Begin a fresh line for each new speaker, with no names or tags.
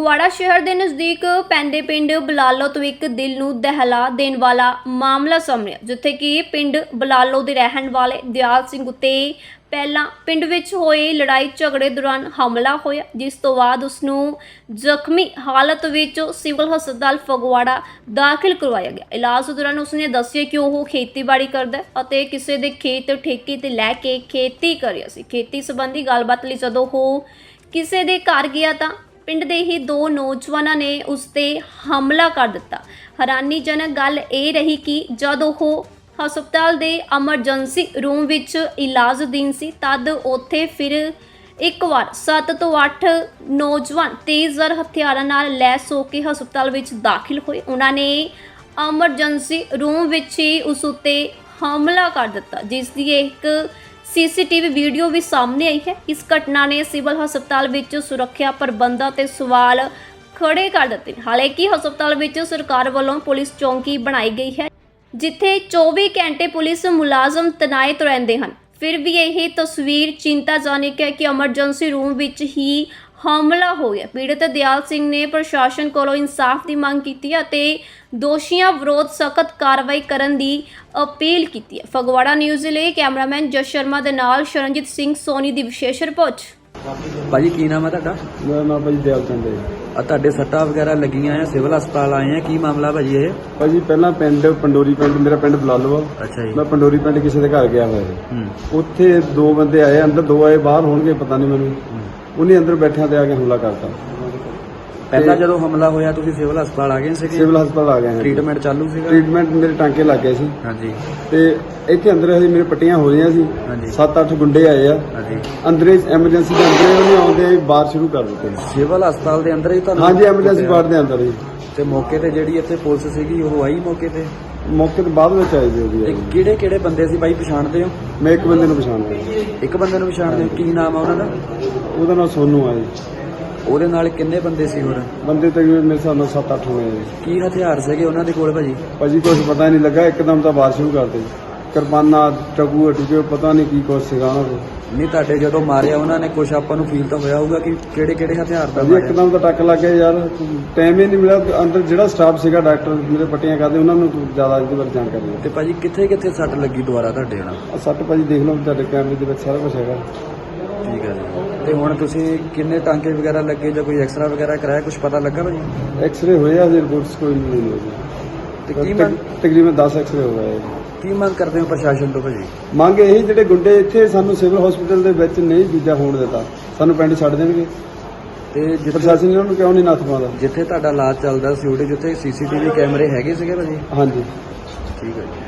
ਫਗਵਾੜਾ शहर के नज़दीक पैंदे पिंड बलालो तो एक दिल नूं दहला देने वाला मामला सामने आया, जिथे कि पिंड बलालो के रहने वाले दयाल सिंह उत्ते पहला पिंड विच होए लड़ाई झगड़े दौरान हमला होया, जिस तो बाद उसनूं जख्मी हालत विच सिविल हस्पताल फगवाड़ा दाखिल करवाया गया। इलाज दौरान उसने दस्सिया कि वह खेतीबाड़ी करदा है अते किसी दे खेत ठेके ते लैके खेती कर रहा सी। खेती संबंधी गलबात लई जदों ओह किसी दे घर गया तां पिंड दे ही दो नौजवानों ने उस ते हमला कर दिता। हैरानीजनक गल ये रही कि जब वह हस्पताल दे एमरजेंसी रूम विच इलाजदीन सी तद उत्थे फिर एक बार 7 तो 8 नौजवान तेज़धार हथियारां नाल लैस होके हस्पताल विच दाखिल होए। उन्होंने एमरजेंसी रूम विच ही उस उत्ते हमला कर दिता, जिस दी एक सीसीटीवी वीडियो भी सामने आई है। इस घटना ने सिविल हस्पताल विच सुरक्षा प्रबंधां ते सवाल खड़े कर दिते। हालांकि हस्पताल विच सरकार वालों पुलिस चौकी बनाई गई है, जिथे 24 घंटे पुलिस मुलाजम तैनात रहंदे हन। फिर भी यही तस्वीर चिंताजनक है कि एमरजेंसी रूम विच ही हमला हो गया। पीड़ित दयाल सिंह ने प्रशासन कोलों इंसाफ की मांग की है, दोषियों विरोध सख्त कार्रवाई करने की अपील की है। फगवाड़ा न्यूज़ लिए कैमरामैन जस शर्मा के नाल शरणजीत सिंह सोनी की विशेष रिपोर्ट।
भाजी की नाम है ਤੁਹਾਡਾ?
मेरा नाम भाजी दयाल चंद है।
ਆ ਤੁਹਾਡੇ ਸੱਟਾਂ ਵਗੈਰਾ ਲੱਗੀਆਂ ਆ, ਸਿਵਲ ਹਸਪਤਾਲ ਆਏ ਆ, ਕੀ ਮਾਮਲਾ ਭਾਜੀ ਇਹ?
ਭਾਜੀ ਪਹਿਲਾਂ ਪਿੰਡ ਪੰਡੋਰੀ ਪਿੰਡ ਮੇਰਾ ਪਿੰਡ ਬਲਾਲੋ ਆ।
ਅੱਛਾ ਜੀ।
ਮੈਂ ਪੰਡੋਰੀ ਪਿੰਡ ਕਿਸੇ ਦੇ ਘਰ ਗਿਆ ਹੋਇਆ ਸੀ। ਉੱਥੇ ਦੋ ਬੰਦੇ ਆਏ, ਅੰਦਰ ਦੋ ਆਏ, ਬਾਹਰ ਹੋਣਗੇ ਪਤਾ ਨਹੀਂ ਮੈਨੂੰ। ਉਹਨੇ ਅੰਦਰ ਬੈਠਿਆਂ ਤੇ ਆ ਕੇ ਹਮਲਾ ਕਰਤਾ।
ਪਹਿਲਾਂ ਜਦੋਂ ਹਮਲਾ ਹੋਇਆ ਤੁਸੀਂ ਸਿਵਲ ਹਸਪਤਾਲ ਆ ਗਏ ਸੀਗੇ?
ਸਿਵਲ ਹਸਪਤਾਲ ਆ ਗਏ ਹਾਂ।
ਟ੍ਰੀਟਮੈਂਟ ਚਾਲੂ ਸੀਗਾ?
ਟ੍ਰੀਟਮੈਂਟ ਮੇਰੇ ਟਾਂਕੇ ਲੱਗ ਗਏ ਸੀ।
ਹਾਂਜੀ।
ਤੇ ਇੱਥੇ ਅੰਦਰ ਹਜੇ ਮੇਰੇ ਪੱਟੀਆਂ ਹੋ ਰਹੀਆਂ ਸੀ।
ਹਾਂਜੀ।
7-8 ਗੁੰਡੇ ਆਏ ਆ।
ਹਾਂਜੀ।
ਅੰਦਰੇ ਐਮਰਜੈਂਸੀ ਦੇ ਅੰਦਰੇ ਉਹਨੇ ਆਉਂਦੇ ਬਾਹਰ ਸ਼ੁਰੂ ਕਰ ਦਿੱਤੇ।
ਸਿਵਲ ਹਸਪਤਾਲ ਦੇ ਅੰਦਰ ਹੀ ਤੁਹਾਨੂੰ?
ਹਾਂਜੀ, ਐਮਰਜੈਂਸੀ ਵਾਰਡ ਦੇ ਅੰਦਰ ਹੀ।
ਤੇ ਮੌਕੇ ਤੇ ਜਿਹੜੀ ਇੱਥੇ ਪੁਲਿਸ ਸੀਗੀ ਉਹ ਆਈ ਮੌਕੇ ਤੇ?
ਮੌਕੇ ਤੇ ਬਾਅਦ ਵਿੱਚ ਆਏ ਜੀ ਉਹਦੀ।
ਤੇ ਕਿਹੜੇ ਕਿਹੜੇ ਬੰਦੇ ਸੀ ਬਾਈ, ਪਛਾਣਦੇ ਹੋ?
ਮੈਂ ਇੱਕ ਬੰਦੇ ਨੂੰ ਪਛਾਣਦਾ।
ਇੱਕ ਬੰਦੇ ਨੂੰ ਪਛਾਣਦੇ ਹੋ? ਕੀ ਨਾਮ ਆ ਉਹਨਾਂ ਦਾ?
ਉਹਦਾ ਨਾਮ ਸੋਨੂ ਆ ਜੀ।
ਉਹਦੇ ਨਾਲ ਕਿੰਨੇ ਬੰਦੇ ਸੀ ਹੋਰ?
ਬੰਦੇ ਤਕਰੀਬਨ ਮੇਰੇ ਹਿਸਾਬ ਨਾਲ 7-8 ਹੋਏ ਆ।
ਕੀ ਹਥਿਆਰ ਸੀਗੇ ਉਹਨਾਂ ਦੇ ਕੋਲ ਭਾਜੀ?
ਭਾਜੀ ਕੁਝ ਪਤਾ ਨਹੀਂ ਲੱਗਾ, ਇੱਕਦਮ ਤਾਂ ਬਾਹਰ ਸ਼ੁਰੂ ਕਰਦੇ। ਕਿਰਪਾਨਾਂ, ਟਕੂ ਟੁਕੇ, ਪਤਾ ਨਹੀਂ ਕੀ ਕੁਛ ਸੀਗਾ ਉਹਨਾਂ ਕੋਲ।
ਨਹੀਂ ਤੁਹਾਡੇ ਜਦੋਂ ਮਾਰਿਆ ਉਹਨਾਂ ਨੇ ਕੁਝ ਆਪਾਂ ਨੂੰ ਫੀਲ ਤਾਂ ਹੋਇਆ ਹੋਊਗਾ ਕਿ ਕਿਹੜੇ ਕਿਹੜੇ ਹਥਿਆਰ ਦਾ
ਭਾਜੀ
ਮਾਰਿਆ?
ਇੱਕਦਮ ਤਾਂ ਟੱਕ ਲੱਗ ਗਿਆ ਯਾਰ, ਟਾਈਮ ਹੀ ਨਹੀਂ ਮਿਲਿਆ। ਅੰਦਰ ਜਿਹੜਾ ਸਟਾਫ ਸੀਗਾ, ਡਾਕਟਰ ਜਿਹੜੇ ਪੱਟੀਆਂ ਕਰਦੇ, ਉਹਨਾਂ ਨੂੰ ਜ਼ਿਆਦਾ ਇਹਦੇ ਬਾਰੇ ਜਾਣਕਾਰੀ ਹੈ।
ਤੇ ਭਾਜੀ ਕਿੱਥੇ ਕਿੱਥੇ ਸੱਟ ਲੱਗੀ ਦੁਬਾਰਾ ਤੁਹਾਡੇ ਨਾਲ?
ਆਹ ਸੱਟ ਭਾਜੀ ਦੇਖ ਲਓ, ਤੁਹਾਡੇ ਕੈਮਰੇ ਦੇ ਵਿੱਚ ਸਾਰਾ ਕੁਝ ਹੈਗਾ।
ਠੀਕ ਹੈ ਜੀ। ਤੇ ਹੁਣ ਤੁਸੀਂ ਕਿੰਨੇ ਟਾਂਕੇ ਵਗੈਰਾ ਲੱਗੇ ਜਾਂ ਕੋਈ ਐਕਸਰਾ ਵਗੈਰਾ ਕਰਾਇਆ, ਕੁਝ ਪਤਾ ਲੱਗਾ ਭਾਜੀ?
ਐਕਸਰੇ ਹੋਏ ਆ, ਰਿਪੋਰਟਸ ਕੋਈ ਨਹੀਂ ਹੋਈ
ਤੇ ਕੀ ਮੰਗ
ਤਕਰੀਬਨ 10 ਐਕਸਰੇ ਹੋ ਗਏ।
ਕੀ ਮੰਗ ਕਰਦੇ ਹੋ ਪ੍ਰਸ਼ਾਸਨ ਤੋਂ ਭਾਜੀ?
ਮੰਗ ਇਹੀ, ਜਿਹੜੇ ਗੁੰਡੇ ਇੱਥੇ ਸਾਨੂੰ ਸਿਵਲ ਹਸਪੀਟਲ ਦੇ ਵਿੱਚ ਨਹੀਂ ਦੂਜਾ ਹੋਣ ਦਿੱਤਾ, ਸਾਨੂੰ ਪਿੰਡ ਛੱਡ ਦੇਣਗੇ।
ਤੇ
ਪ੍ਰਸ਼ਾਸਨ ਇਹਨਾਂ ਨੂੰ ਕਿਉਂ ਨਹੀਂ ਨੱਥ ਪਾਉਂਦਾ?
ਜਿੱਥੇ ਤੁਹਾਡਾ ਇਲਾਜ ਚੱਲਦਾ ਸੀ ਉਹਦੇ ਜਿੱਥੇ ਸੀਸੀਟੀਵੀ ਕੈਮਰੇ ਹੈਗੇ ਸੀਗੇ ਭਾਜੀ?
ਹਾਂਜੀ।
ਠੀਕ ਹੈ ਜੀ।